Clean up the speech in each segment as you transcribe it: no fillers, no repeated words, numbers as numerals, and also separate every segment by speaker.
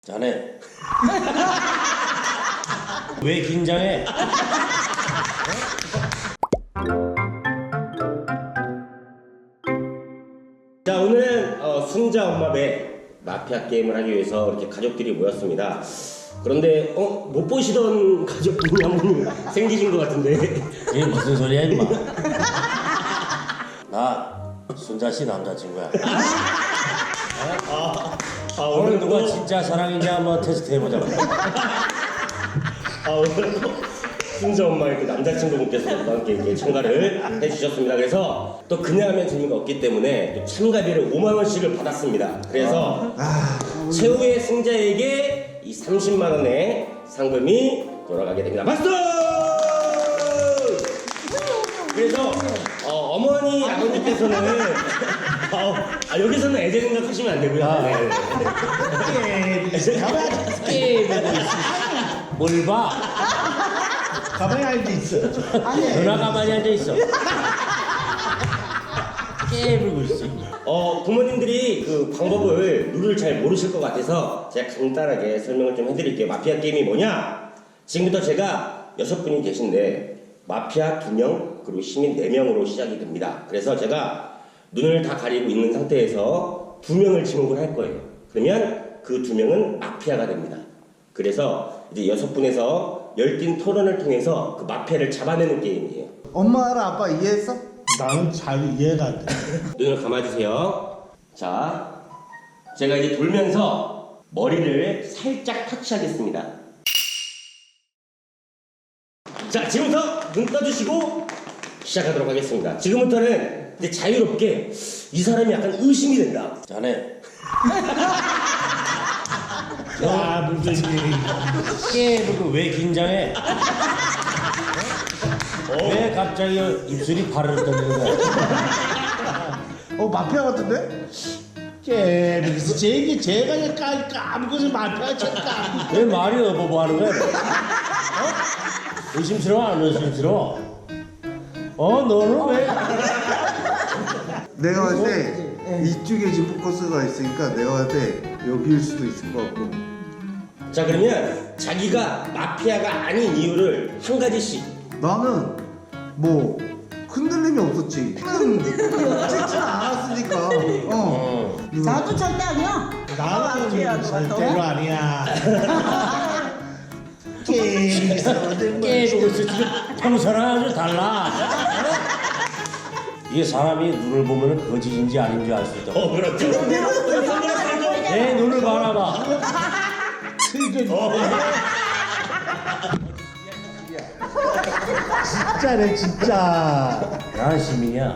Speaker 1: 자네 왜 긴장해?
Speaker 2: 자, 오늘은 순자 엄마 배 마피아 게임을 하기 위해서 이렇게 가족들이 모였습니다. 그런데 못 보시던 가족분이 한 분이 생기신 것 같은데.
Speaker 1: 이게 무슨 소리야 임마? 나 순자씨 남자친구야. 오늘 누가 진짜 사랑인지 한번 테스트 해보자고.
Speaker 2: 오늘 순자 엄마 이렇게 남자친구분께서 함께 이렇게 참가를 해주셨습니다. 그래서 또 그냥 하면 재미가 없기 때문에 또 참가비를 5만 원씩을 받았습니다. 그래서 최후의 승자에게 이 30만 원의 상금이 돌아가게 됩니다. 박수! 그래서 어머니 아버님께서는 여기서는 애제 생각하시면 안 되고요.
Speaker 1: 게임하고 있어. 뭘 봐?
Speaker 3: 가만히 앉아있어.
Speaker 1: 누나 가만히 앉아있어. 게임하고 있어.
Speaker 2: 부모님들이 그 방법을 룰을 잘 모르실 것 같아서 제가 간단하게 설명을 좀 해드릴게요. 마피아 게임이 뭐냐? 지금부터 제가 6분이 계신데 마피아 2명 그리고 시민 4명으로 시작이 됩니다. 그래서 제가 눈을 다 가리고 있는 상태에서 2명을 지목을 할 거예요. 그러면 그 2명은 마피아가 됩니다. 그래서 이제 6분에서 열띤 토론을 통해서 그 마피아를 잡아내는 게임이에요.
Speaker 3: 엄마랑 아빠 이해했어? 나는 잘 이해가 안 돼.
Speaker 2: 눈을 감아주세요. 자, 제가 이제 돌면서 머리를 살짝 터치하겠습니다. 자, 지금부터 눈 떠주시고 시작하도록 하겠습니다. 지금부터는 이제 자유롭게 이 사람이 약간 의심이 된다.
Speaker 1: 자네
Speaker 3: 무슨 일이.
Speaker 1: 게임하고 왜 긴장해? 왜 갑자기 입술이 바르르 떨리는 거야?
Speaker 3: 마피아 같은데? 제가 까먹어서 마피아 쳤다.
Speaker 1: 왜 말이 어버버 하는 거야? 의심스러워 안 의심스러워? 너는 왜?
Speaker 4: 내가 볼 때 이쪽에 지금 포커스가 있으니까 내가 볼 때 여기일 수도 있을 것 같고.
Speaker 2: 자, 그러면 자기가 마피아가 아닌 이유를 한 가지씩.
Speaker 4: 나는 뭐 흔들림이 없었지. 찍진 않았으니까.
Speaker 5: 나도 절대 아니야.
Speaker 3: 나는 절대로 아니야. 게임에서
Speaker 1: 게임하고 있어. 지금 평소랑 아주 달라. 이게 사람이 눈을 보면 거짓인지 아닌지 알 수 있다.
Speaker 2: 그렇죠.
Speaker 1: 내 눈을 바라봐.
Speaker 3: 진짜네 진짜.
Speaker 1: 난 시민이야.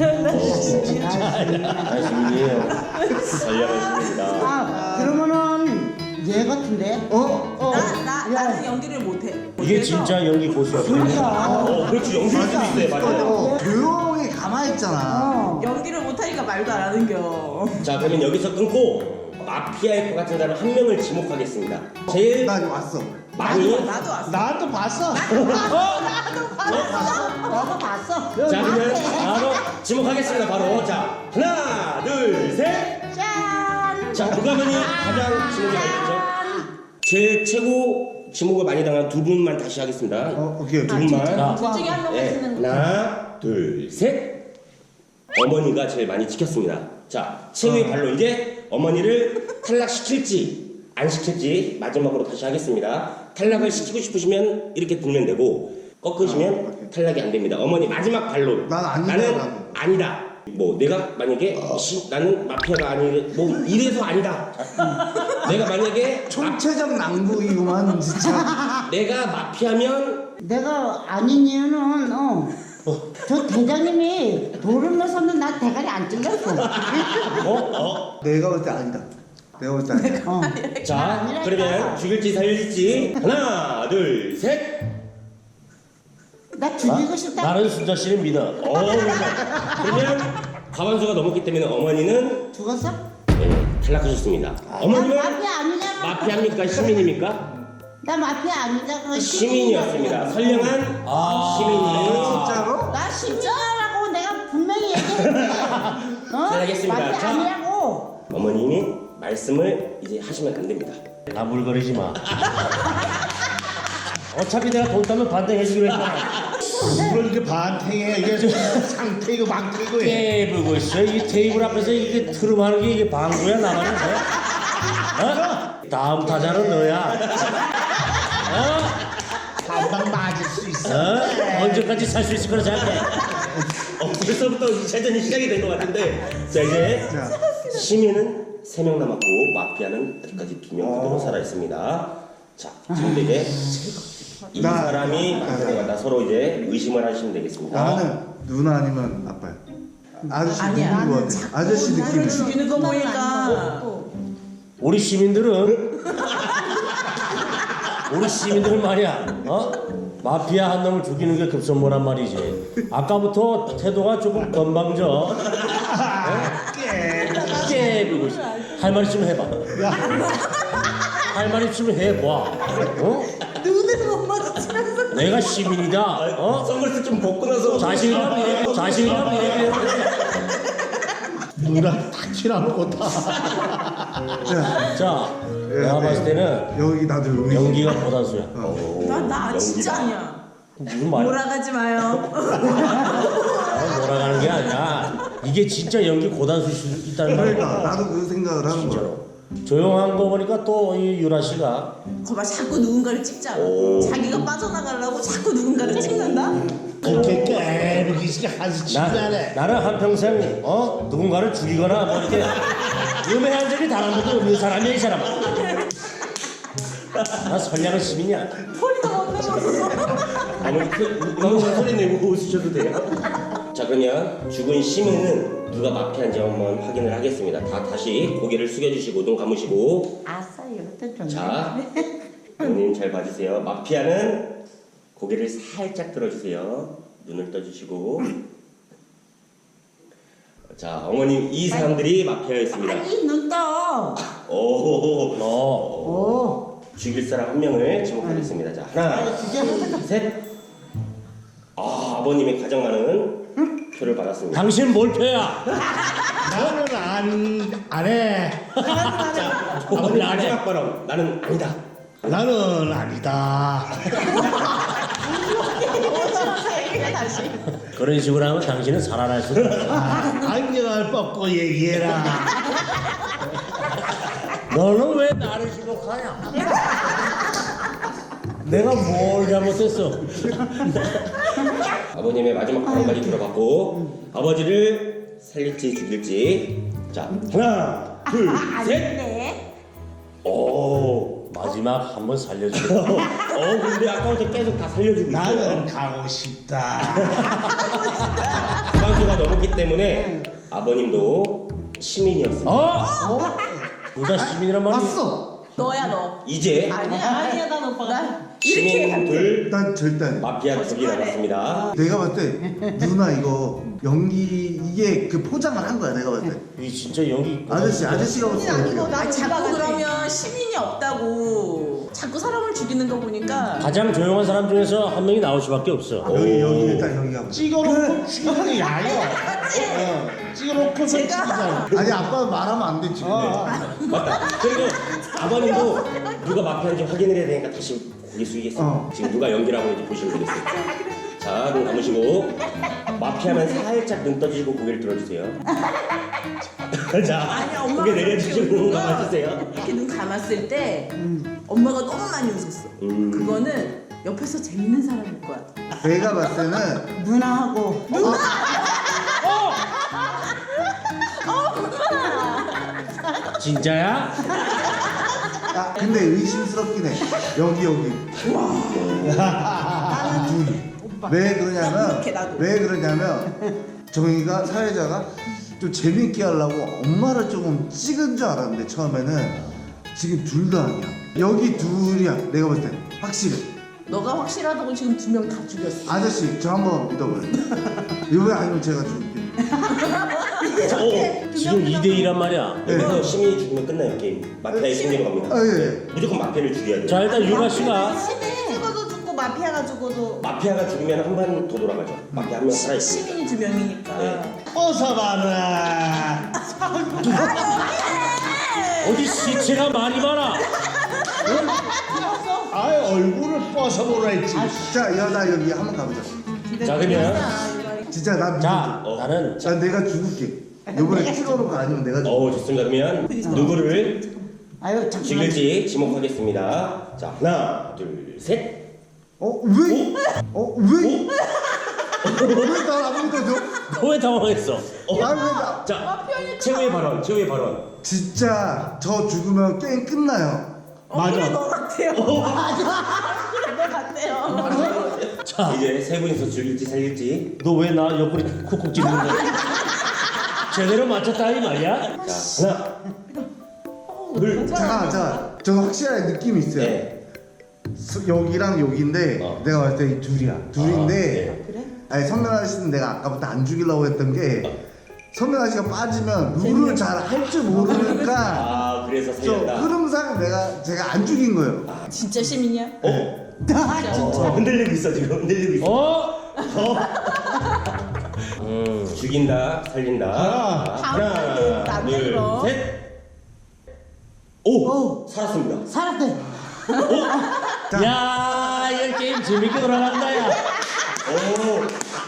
Speaker 1: 난 시민이에요.
Speaker 2: 달려가십니다.
Speaker 5: 그러면은 얘 같은데?
Speaker 6: 나는 연기를 못해.
Speaker 1: 이게 진짜 연기 고수야.
Speaker 2: 그렇지. 연기일 수도 있어요. 맞아요.
Speaker 4: 조용히 가만히 있잖아.
Speaker 6: 연기를 못하니까 말도 안 하는겨.
Speaker 2: 자, 그러면 여기서 끊고 마피아일 것 같은 사람 한 명을 지목하겠습니다. 제일
Speaker 4: 나 왔어.
Speaker 2: 많이.
Speaker 6: 나도 왔어.
Speaker 3: 나도 봤어.
Speaker 5: 너도 봤어.
Speaker 2: 자, 그러면 바로 지목하겠습니다. 바로. 자, 하나, 둘, 셋.
Speaker 5: 짠.
Speaker 2: 자, 누가 많이 가장 지목이 많이 되죠? 제일 최고 지목을 많이 당한 두 분만 다시 하겠습니다.
Speaker 4: 오케이.
Speaker 2: 두 분만.
Speaker 1: 자,
Speaker 6: 둘 중에 한 명을
Speaker 2: 네,
Speaker 6: 쓰는 거.
Speaker 2: 하나, 둘, 셋. 어머니가 제일 많이 지켰습니다. 자, 최후의 발로 이제 어머니를 탈락시킬지 안 시킬지 마지막으로 다시 하겠습니다. 탈락을 시키고 싶으시면 이렇게 들면 되고 꺾으시면 탈락이 안 됩니다. 어머니 마지막 발로.
Speaker 4: 난 아니다,
Speaker 2: 나는
Speaker 4: 나는.
Speaker 2: 아니다. 뭐 내가 만약에 나는 마피아가 아니 뭐 이래서 아니다. 내가 만약에
Speaker 4: 총체적 낭비구만 진짜.
Speaker 2: 내가 마피아면
Speaker 5: 내가 아닌 이유는 저 대장님이 돌을 넣어서는 나 대가리 안 찔렸어.
Speaker 4: 내가 볼 때 아니다. 내가 볼 때 아니다.
Speaker 2: 자, 그러면 죽일지 살릴지 하나, 둘, 셋.
Speaker 5: 나 죽이고 싶다.
Speaker 1: 나는 순자 씨를 믿어.
Speaker 2: 그러면 과반수가 넘었기 때문에 어머니는
Speaker 5: 죽었어?
Speaker 2: 탈락하셨습니다. 어머님은
Speaker 5: 마피아 아니잖아.
Speaker 2: 마피아입니까? 시민입니까?
Speaker 5: 나 마피아 아니잖아.
Speaker 2: 시민이었습니다. 선량한 시민이.
Speaker 4: 진짜로?
Speaker 5: 나 심지어라고 내가 분명히 얘기했지.
Speaker 2: 잘하겠습니다.
Speaker 5: 마피아
Speaker 2: 자.
Speaker 5: 아니라고.
Speaker 2: 어머님이 말씀을 이제 하시면 안 됩니다.
Speaker 1: 나물거리지 마. 어차피 내가 돈 따면 반대해주기로 했잖아.
Speaker 3: 이걸 이렇게 반탱해. 이게 상탱이고 망탱이고 해.
Speaker 1: 깨부고 있어. 이 테이블 앞에서 이게 트름하는 게 이게 방구야 나가는 거야? 어? 다음 타자는 너야.
Speaker 3: 한방 맞을 수 있어.
Speaker 1: 언제까지 살 수 있을 거라 생각해.
Speaker 2: 벌써부터 2차전이 시작이 된 것 같은데 자 이제
Speaker 4: 자,
Speaker 2: 시민은 3명 남았고 마피아는 아직까지 2명 그대로 살아있습니다. 자 지금 이제 이
Speaker 4: 나-
Speaker 2: 사람이 마피아가 서로 이제 의심을 하시면 되겠습니다.
Speaker 4: 나는 누나 아니면 아빠야. 아저씨
Speaker 6: 아니야.
Speaker 4: 누군 거 같아. 아저씨 느낌이.
Speaker 6: 나를 죽이는 거 보니까
Speaker 1: 우리 시민들은 말이야. 마피아 한 놈을 죽이는 게 급선무란 말이지. 아까부터 태도가 조금 건방져. 깨부고 있어. 할 말 있으면 해봐. 할 말 있으면 해봐.
Speaker 6: 눈을 못 마주치면서
Speaker 1: 내가 시민이다.
Speaker 2: 선글라스 좀 벗고 나서
Speaker 1: 자신감 얘기해.
Speaker 3: 누나 딱 치라놓고 다.
Speaker 4: 자,
Speaker 1: 자, 내가 봤을 때는
Speaker 4: 여기 나도 여기.
Speaker 1: 연기가 고단수야.
Speaker 6: 나 진짜
Speaker 2: 연기다.
Speaker 6: 아니야.
Speaker 1: 무슨 말이야?
Speaker 6: 몰아가지 마요.
Speaker 1: 몰아가는 게 아니라 이게 진짜 연기 고단수일 수 있다는
Speaker 4: 그러니까
Speaker 1: 거야.
Speaker 4: 나도 그 생각을 하는 거야.
Speaker 1: 조용한 거 보니까 또 이 유라 씨가
Speaker 6: 거봐 자꾸 누군가를 찍잖아.
Speaker 2: 오.
Speaker 6: 자기가 빠져나가려고 자꾸 누군가를 찍는다.
Speaker 3: 그렇게 깨부기 있으니 한수 치자네.
Speaker 1: 나는 한평생 누군가를 죽이거나 뭐 이렇게 음해한 적이 단 한 번도 없는 사람이야 이 사람아. 나 선량한 시민이야.
Speaker 6: 소리도 못 내면서.
Speaker 2: 아무리 소리 내고 웃으셔도 돼요. 자 그러면 죽은 시민은 누가 마피아인지 한번 확인을 하겠습니다. 다시 고개를 숙여주시고 눈 감으시고
Speaker 5: 아싸 이것도 좋네.
Speaker 2: 자 어머님 잘 봐주세요. 마피아는 고개를 살짝 들어주세요. 눈을 떠주시고 자 어머님 이 사람들이 마피아였습니다.
Speaker 5: 아니 눈 떠.
Speaker 2: 오
Speaker 5: 오.
Speaker 2: 죽일 사람 한 명을 지목하겠습니다. 자 하나 셋. 아버님이 가장 많은 표를 받았습니다.
Speaker 1: 당신 몰표야.
Speaker 3: 나는 안 해.
Speaker 2: 아버님
Speaker 1: 안 해.
Speaker 2: 마지막 발언 나는 아니다.
Speaker 3: 나는 아니다.
Speaker 6: 다시.
Speaker 1: 그런 식으로 하면 당신은 살아날 수 없어.
Speaker 3: 안경을 벗고 얘기해라.
Speaker 1: 너는 왜 나를 지목하냐? 내가 뭘 잘못했어?
Speaker 2: 아버님의 마지막 발언까지 들어봤고 아버지를 살릴지 죽일지 자 하나 둘셋
Speaker 5: 네.
Speaker 2: 오.
Speaker 1: 마지막 한번 살려줘.
Speaker 2: 근데 아까부터 계속 다 살려주고 있어요.
Speaker 3: 나는 가고 싶다.
Speaker 2: 주방수가 넘었기 때문에 아버님도 시민이었습니다.
Speaker 1: 둘 다 시민이란 말이.
Speaker 4: 봤어.
Speaker 6: 너야 너.
Speaker 2: 이제
Speaker 6: 아니야 난 오빠가
Speaker 2: 시민 둘
Speaker 4: 난 절대 아니야.
Speaker 2: 마피아 둘이 남았습니다.
Speaker 4: 내가 봤을 때 누나 이거 연기 이게 그 포장을 한 거야. 내가 봤을 때.
Speaker 1: 이 진짜 연기.
Speaker 4: 아저씨가 봤을 때.
Speaker 6: 아, 자꾸 그러면 시민이 없다고 자꾸 사람을 죽이는 거 보니까
Speaker 1: 가장 조용한 사람 중에서 한 명이 나올 수밖에 없어.
Speaker 4: 여기 일단 여기 가봐.
Speaker 3: 찍어놓고 죽이는 게 야요. 찍어놓고서 죽이잖아.
Speaker 4: 아니 아빠는 말하면 안 돼 지금.
Speaker 2: 맞다. 그리고 아버님도 누가 마피아인지 확인을 해야 되니까 다시 고개 숙이겠습니다. 지금 누가 연기를 하고 있는지 보시면 되겠습니다. 자, 눈 감으시고 마피아는 살짝 눈 떠주시고 고개를 들어주세요. 자,
Speaker 6: 아니, 엄마가
Speaker 2: 고개 내려주시고 눈
Speaker 6: 그렇게
Speaker 2: 감아주세요.
Speaker 6: 이렇게 눈 감았을 때 엄마가 너무 많이 웃었어. 그거는 옆에서 재밌는 사람일 거야.
Speaker 4: 내가 봤을 때는
Speaker 5: 누나하고.
Speaker 1: 진짜야?
Speaker 4: 아 근데 의심스럽긴 해. 여기. 왜 그러냐면
Speaker 6: 이렇게 나도.
Speaker 4: 왜 그러냐면 정희가 사회자가 좀 재밌게 하려고 엄마를 조금 찍은 줄 알았는데 처음에는 지금 둘 다 아니야. 여기 둘이야. 내가 볼 때 확실해.
Speaker 6: 너가 확실하다고 지금 2명 다 죽였어.
Speaker 4: 아저씨 저 한번 믿어봐요. 이거 아니면 제가 죽을게.
Speaker 1: 지금 2대2란 말이야.
Speaker 2: 여기서 시민이 죽으면 끝나요 게임. 마피아의 승리로 갑니다.
Speaker 4: 아 예.
Speaker 2: 무조건 마피아를 죽여야 돼요.
Speaker 1: 자 일단 유라 씨가
Speaker 6: 죽어도 죽고 마피아가 죽어도
Speaker 2: 마피아가 죽으면 한 번 더 돌아가죠. 마피아 한 명 살아있습니다.
Speaker 6: 시민이 2명이니까.
Speaker 2: 네.
Speaker 3: 어서 봐라.
Speaker 1: 어디 시체가 많이 많아.
Speaker 3: 얼굴을 벗어보라 했지.
Speaker 4: 자, 야, 나 여기 한번 가보자.
Speaker 1: 자, 그러면
Speaker 4: 진짜 나
Speaker 1: 자,
Speaker 4: 믿어줘.
Speaker 1: 나는
Speaker 4: 난 내가 죽을게. 이번에 찍어놓고 아니면 내가 죽을게.
Speaker 2: 좋습니다. 그러면 누구를
Speaker 5: 아유 잠깐만.
Speaker 2: 죽일지 지목하겠습니다. 자, 하나, 둘, 셋.
Speaker 4: 왜? 왜? 왜나안 믿어줘?
Speaker 1: 왜 당황했어?
Speaker 4: 왜 나?
Speaker 2: 자, 최후의 발언.
Speaker 4: 진짜 저 죽으면 게임 끝나요.
Speaker 3: 맞아.
Speaker 6: 너 같아요. 그래 너 같아요.
Speaker 1: 자,
Speaker 2: 이제 세 분이서 죽일지 살릴지.
Speaker 1: 너 왜 나 옆구리 쿡쿡 찌르는 거야? 제대로 맞췄다 이 말이야?
Speaker 2: 자, 하나, 둘,
Speaker 4: 잠깐, 저 확실하게 느낌이 있어요.
Speaker 2: 네.
Speaker 4: 여기랑 여기인데 내가 봤을 때 이 둘인데
Speaker 6: 그래?
Speaker 4: 아니 선명 아저씨는 내가 아까부터 안 죽이려고 했던 게 선명 아저씨가 빠지면 룰을 잘 할 줄 모르니까
Speaker 2: 그래서
Speaker 4: 저
Speaker 2: 살렸다.
Speaker 4: 흐름상 제가 안 죽인 거예요.
Speaker 6: 진짜 시민이야?
Speaker 2: 흔들리고 있어 지금. 흔들리고 있어. 죽인다, 살린다. 하나,
Speaker 6: 나도
Speaker 2: 둘,
Speaker 6: 그럼.
Speaker 2: 셋. 오, 살았습니다.
Speaker 5: 살았대.
Speaker 1: 야, 이 게임 재밌게 돌아간다 야.
Speaker 2: 오,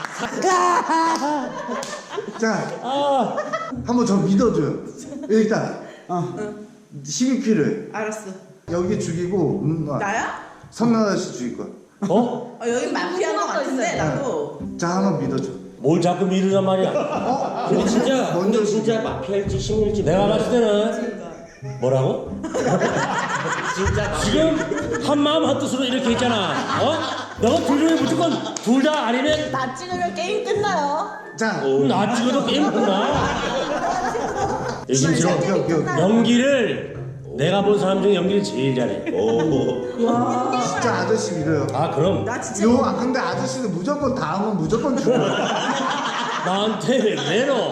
Speaker 4: 자,
Speaker 1: 아,
Speaker 4: 한번 저 믿어줘요. 일단 힘이 필요해.
Speaker 6: 알았어.
Speaker 4: 여기 죽이고
Speaker 6: 나야?
Speaker 4: 선명 아저씨 죽일 거야.
Speaker 6: 여기 마피아인 것 같은데 나도.
Speaker 4: 자, 한번 믿어줘.
Speaker 1: 뭘 자꾸 미루란 말이야?
Speaker 2: 근데 진짜,
Speaker 4: 먼저
Speaker 2: 진짜 마피아일지 시민일지
Speaker 1: 내가
Speaker 2: 모르겠어.
Speaker 1: 봤을 때는 뭐라고?
Speaker 2: 진짜
Speaker 1: 지금 한 마음 한 뜻으로 이렇게 있잖아. 너가 둘 중에 무조건 둘 다 아니면
Speaker 6: 나 찍으면 게임 끝나요.
Speaker 4: 자,
Speaker 1: 나 찍어도 게임 끝나. 의심스러워.
Speaker 4: 오케이.
Speaker 1: 연기를 내가 본 사람 중에 연기를 제일 잘해.
Speaker 4: 진짜 아저씨 믿어요.
Speaker 1: 아 그럼
Speaker 6: 나 진짜
Speaker 4: 근데 아저씨는 무조건 다음은 무조건 죽어.
Speaker 1: 나한테 왜 그래 너?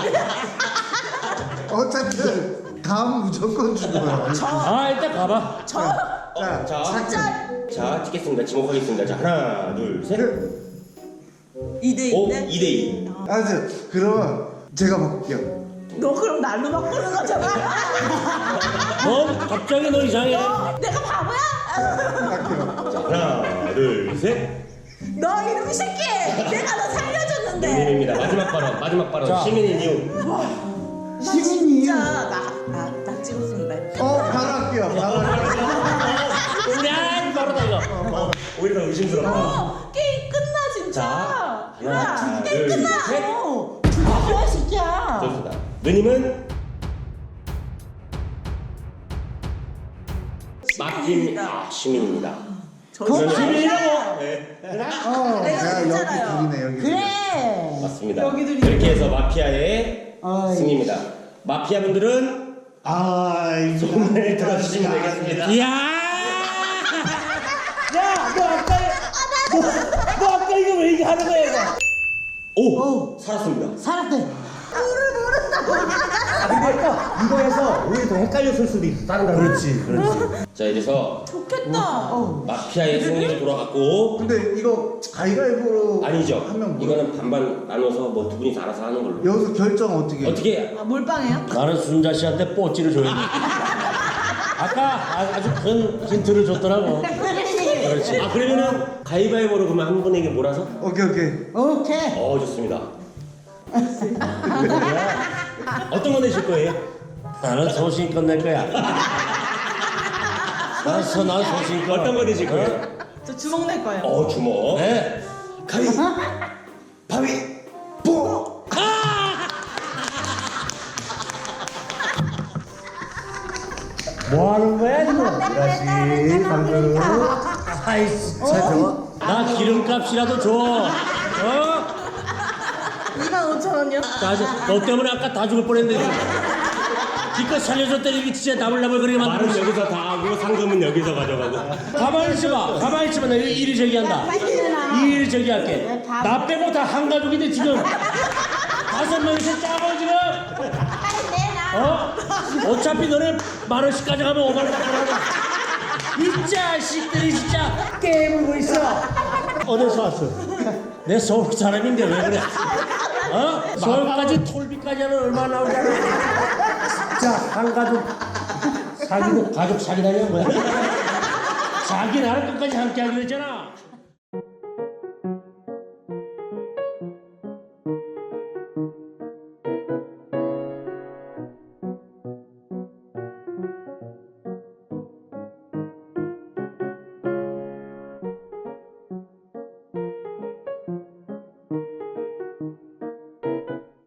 Speaker 4: 어차피 다음 무조건 죽어요.
Speaker 1: 아 일단 가봐.
Speaker 4: 자,
Speaker 2: 자, 찍겠습니다. 지목하겠습니다. 자, 하나, 둘, 셋.
Speaker 6: 2대2인데?
Speaker 2: 2대2.
Speaker 4: 아저 그러면 제가 바꿀게요.
Speaker 6: 너 그럼 날로 바꾸는 거잖아.
Speaker 1: 넌 갑자기 너 이상해.
Speaker 6: 내가 바보야?
Speaker 4: 갈게요.
Speaker 2: 자, 하나, 둘, 셋.
Speaker 6: 너 이놈 새끼! 내가 너 살려줬는데.
Speaker 2: 시민입니다. 마지막 발언.
Speaker 1: 자.
Speaker 2: 시민인 이유.
Speaker 6: 나
Speaker 4: 시민이.
Speaker 6: 진짜 나 찍었습니다.
Speaker 4: 바로 할게요. 바로 할게요.
Speaker 1: 야 바로 나 이거.
Speaker 2: 오히려 더 의심스럽다.
Speaker 6: 게임 끝나 진짜.
Speaker 2: 자,
Speaker 6: 야,
Speaker 2: 하나,
Speaker 6: 게임
Speaker 2: 둘,
Speaker 6: 끝나.
Speaker 2: 셋.
Speaker 6: 뭐야 진짜.
Speaker 2: 좋습니다. 누님은 맡김 시민입니다.
Speaker 6: 저
Speaker 1: 시민이라고?
Speaker 4: 내가 여기
Speaker 6: 진짜라요.
Speaker 4: 둘이네 여기.
Speaker 5: 그래.
Speaker 2: 맞습니다.
Speaker 6: 여기도
Speaker 2: 이렇게 해서 마피아의
Speaker 5: 어이.
Speaker 2: 승리입니다. 마피아 분들은 손을 들어주시면 되겠습니다.
Speaker 1: 이야. 너 아까 이거 왜 이렇게 하는 거야 이거?
Speaker 2: 오, 살았습니다.
Speaker 5: 살았대.
Speaker 1: 이거에서 우리 더 헷갈렸을 수도 있어. 다른 거. 그렇지.
Speaker 2: 자, 이래서
Speaker 6: 좋겠다.
Speaker 2: 마피아의 승리로 돌아갔고
Speaker 4: 근데 이거 가위가위보로
Speaker 2: 아니죠.
Speaker 4: 하면 뭐?
Speaker 2: 이거는 반반 나눠서 뭐 두 분이서 알아서 하는 걸로.
Speaker 4: 여기서 결정 어떻게?
Speaker 2: 어떻게?
Speaker 6: 몰빵해요?
Speaker 1: 나는 순자 씨한테 뽀찌를 줘야 돼. 아까 아주 큰 힌트를 줬더라고. 그렇지.
Speaker 2: 아, 그러면은 가위바위보로 그러면 한 분에게 몰아서?
Speaker 4: 오케이.
Speaker 5: 오케이.
Speaker 2: 좋습니다. 어떤 거 내실 거예요?
Speaker 1: 나는 소신껏 낼 거야. 난 소신껏.
Speaker 2: 어떤 거 내실 거예요?
Speaker 6: 저 주먹 낼 거예요.
Speaker 2: 주먹.
Speaker 1: 네.
Speaker 2: 가위바위보.
Speaker 1: 뭐 하는 거야 지금?
Speaker 4: 다시 방금.
Speaker 1: 아이씨. 나 기름값이라도 줘.
Speaker 6: 25,000원이요?
Speaker 1: 너 때문에 아까 다 죽을 뻔했는데 지금. 기껏 살려줬더니 이게 진짜 나불나불 그렇게
Speaker 2: 말은
Speaker 1: 만들어.
Speaker 2: 여기서 다 하고 상금은 여기서 가져가고.
Speaker 1: 가만히 있어봐. 나 일을 제기한다. 일을 제기할게. 나 빼고 다 한 가족인데 지금 5명이서 짜고 지금. 어차피 너네 10,000원씩 가져가면 5만 원 가져가고. 이 자식들이 진짜 게임을 고 있어. 어디서 왔어? 내 서울 사람인데 왜 그래? 서울까지 톨비까지 하면 얼마 나오잖아. 진짜 한 가족 사귀고 가족 사귀다니 뭐야? 자기 나라 끝까지 함께 하기로 했잖아.